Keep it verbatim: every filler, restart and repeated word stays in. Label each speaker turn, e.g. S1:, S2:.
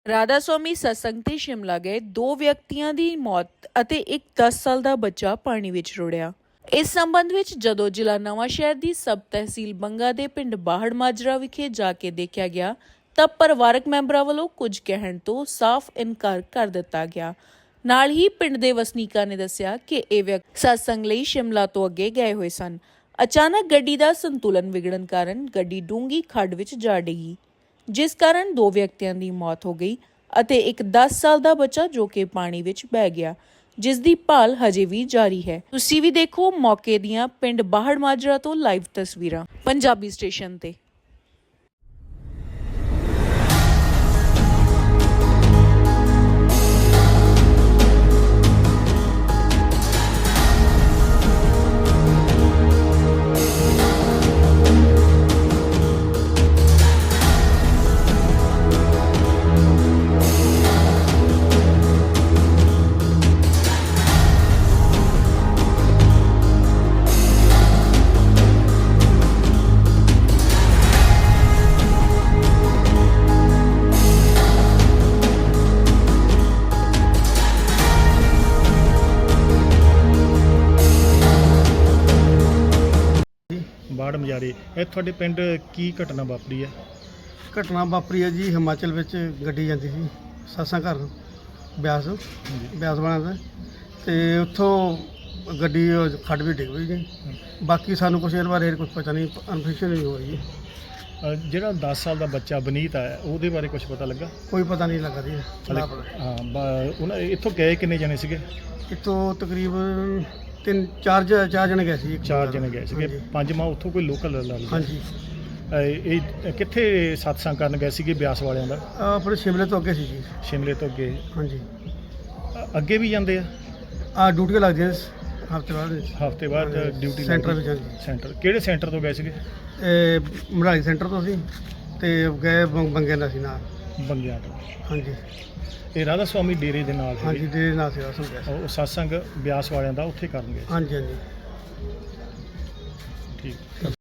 S1: ਰਾਧਾ ਸਵਾਮੀ ਸਤਸੰਗ ਤੇ ਸ਼ਿਮਲਾ ਗਏ ਦੋ ਵਿਅਕਤੀਆਂ ਦੀ ਮੌਤ ਅਤੇ ਇੱਕ ਦਸ ਸਾਲ ਦਾ ਬੱਚਾ ਪਾਣੀ ਵਿੱਚ ਰੁੜਿਆ। ਇਸ ਸੰਬੰਧ ਵਿੱਚ ਜਦੋਂ ਜ਼ਿਲ੍ਹਾ ਨਵਾਂ ਸ਼ਹਿਰ ਦੀ ਸਬ ਤਹਿਸੀਲ ਬੰਗਾ ਦੇ ਪਿੰਡ ਬਾਹੜ ਮਾਜਰਾ ਵਿਖੇ ਜਾ ਕੇ ਦੇਖਿਆ ਗਿਆ ਤਾਂ ਪਰਿਵਾਰਕ ਮੈਂਬਰਾਂ ਵੱਲੋਂ ਕੁਝ ਕਹਿਣ ਤੋਂ ਸਾਫ਼ ਇਨਕਾਰ ਕਰ ਦਿੱਤਾ ਗਿਆ। ਨਾਲ ਹੀ ਪਿੰਡ ਦੇ ਵਸਨੀਕਾਂ ਨੇ ਦੱਸਿਆ ਕਿ ਇਹ ਵਿਅਕਤੀ ਸਤਸੰਗ ਲਈ ਸ਼ਿਮਲਾ ਤੋਂ ਅੱਗੇ ਗਏ ਹੋਏ ਸਨ। ਅਚਾਨਕ ਗੱਡੀ ਦਾ ਸੰਤੁਲਨ ਵਿਗੜਨ ਕਾਰਨ ਗੱਡੀ ਡੂੰਘੀ ਖੱਡ ਵਿੱਚ ਜਾ ਡਿੱਗੀ, ਜਿਸ ਕਾਰਨ ਦੋ ਵਿਅਕਤੀਆਂ ਦੀ ਮੌਤ ਹੋ ਗਈ ਅਤੇ ਇੱਕ ਦਸ ਸਾਲ ਦਾ ਬੱਚਾ ਜੋ ਕਿ ਪਾਣੀ ਵਿੱਚ ਬਹਿ ਗਿਆ, ਜਿਸ ਦੀ ਭਾਲ ਹਜੇ ਵੀ ਜਾਰੀ ਹੈ। ਤੁਸੀਂ ਵੀ ਦੇਖੋ ਮੌਕੇ ਦੀਆਂ ਪਿੰਡ ਬਾਹੜ ਮਾਜਰਾ ਤੋਂ ਲਾਈਵ ਤਸਵੀਰਾਂ ਪੰਜਾਬੀ ਸਟੇਸ਼ਨ ਤੇ।
S2: ਬਾੜ ਮਜਾਰੇ ਇਹ ਤੁਹਾਡੇ ਪਿੰਡ ਕੀ ਘਟਨਾ ਵਾਪਰੀ ਹੈ?
S3: ਘਟਨਾ ਵਾਪਰੀ ਹੈ ਜੀ, ਹਿਮਾਚਲ ਵਿੱਚ ਗੱਡੀ ਜਾਂਦੀ ਸੀ ਸਤਸੰਗ ਘਰ ਬਿਆਸ ਬਿਆਸ ਵਾਲਿਆਂ ਦਾ, ਅਤੇ ਉੱਥੋਂ ਗੱਡੀ ਖੱਡ ਵੀ ਡਿੱਗ ਪਈ ਜੀ। ਬਾਕੀ ਸਾਨੂੰ ਕੁਛ ਇਹਦੇ ਬਾਰੇ ਕੁਛ ਪਤਾ ਨਹੀਂ, ਇਨਫੋਰਮੇਸ਼ਨ ਨਹੀਂ ਹੋ ਰਹੀ।
S2: ਅ, ਜਿਹੜਾ ਦਸ ਸਾਲ ਦਾ ਬੱਚਾ ਬਨੀਤ ਹੈ ਉਹਦੇ ਬਾਰੇ ਕੁਝ ਪਤਾ ਲੱਗਾ?
S3: ਕੋਈ ਪਤਾ ਨਹੀਂ ਲੱਗਾ ਜੀ।
S2: ਹਾਂ, ਬ- ਉਹਨਾਂ ਇੱਥੋਂ ਗਏ ਕਿੰਨੇ ਜਣੇ ਸੀਗੇ?
S3: ਇੱਥੋਂ ਤਕਰੀਬਨ ਤਿੰਨ ਚਾਰ ਜ- ਚਾਰ ਜਣੇ ਗਏ ਸੀ। ਇੱਕ
S2: ਚਾਰ
S3: ਬੰਦਾ।
S2: ਜਣੇ ਗਏ ਸੀਗੇ।
S3: ਹਾਂਜੀ।
S2: ਪੰਜ ਮਾਂ ਉੱਥੋਂ ਕੋਈ ਲੋਕਲ ਲਾ ਲਓ।
S3: ਹਾਂਜੀ।
S2: ਇਹ ਇਹ ਕਿੱਥੇ ਸਤਸੰਗ ਕਰਨ ਗਏ ਸੀਗੇ ਬਿਆਸ ਵਾਲਿਆਂ ਦਾ?
S3: ਆਹ ਆਪਣੇ ਸ਼ਿਮਲੇ ਤੋਂ ਅੱਗੇ ਸੀ ਜੀ।
S2: ਸ਼ਿਮਲੇ ਤੋਂ ਅੱਗੇ?
S3: ਹਾਂਜੀ।
S2: ਅ, ਅੱਗੇ ਵੀ ਜਾਂਦੇ ਆ?
S3: ਆ ਡਿਊਟੀਆਂ ਲੱਗਦੀਆਂ ਹਫ਼ਤੇ ਬਾਅਦ
S2: ਹਫ਼ਤੇ ਬਾਅਦ ਡਿਊਟੀ
S3: ਸੈਂਟਰ
S2: ਲੱਗਦੀ?
S3: ਵਿੱਚ। ਹਾਂਜੀ।
S2: ਸੈਂਟਰ ਕਿਹੜੇ ਸੈਂਟਰ ਤੋਂ ਗਏ ਸੀਗੇ?
S3: ਇਹ ਮੜਾਈ ਸੈਂਟਰ ਤੋਂ ਸੀ ਅਤੇ ਗਏ ਬੰ- ਬੰਗੇ ਦਾ ਸੀ ਨਾਲ।
S2: ਬੰਗਿਆਂ ਤੋਂ?
S3: ਹਾਂਜੀ।
S2: ਇਹ ਰਾਧਾ ਸਵਾਮੀ ਡੇਰੇ ਦੇ ਨਾਲ
S3: ਹਾਂਜੀ,
S2: ਹੈਗੇ?
S3: ਦੇ ਨਾਲ ਸੇਵਾ ਸੰਭਿਆ ਸੀ।
S2: ਉਹ ਸਤਸੰਗ ਬਿਆਸ ਵਾਲਿਆਂ ਦਾ ਉੱਥੇ ਕਰਨ ਗਏ?
S3: ਹਾਂਜੀ ਹਾਂਜੀ।
S2: ਠੀਕ।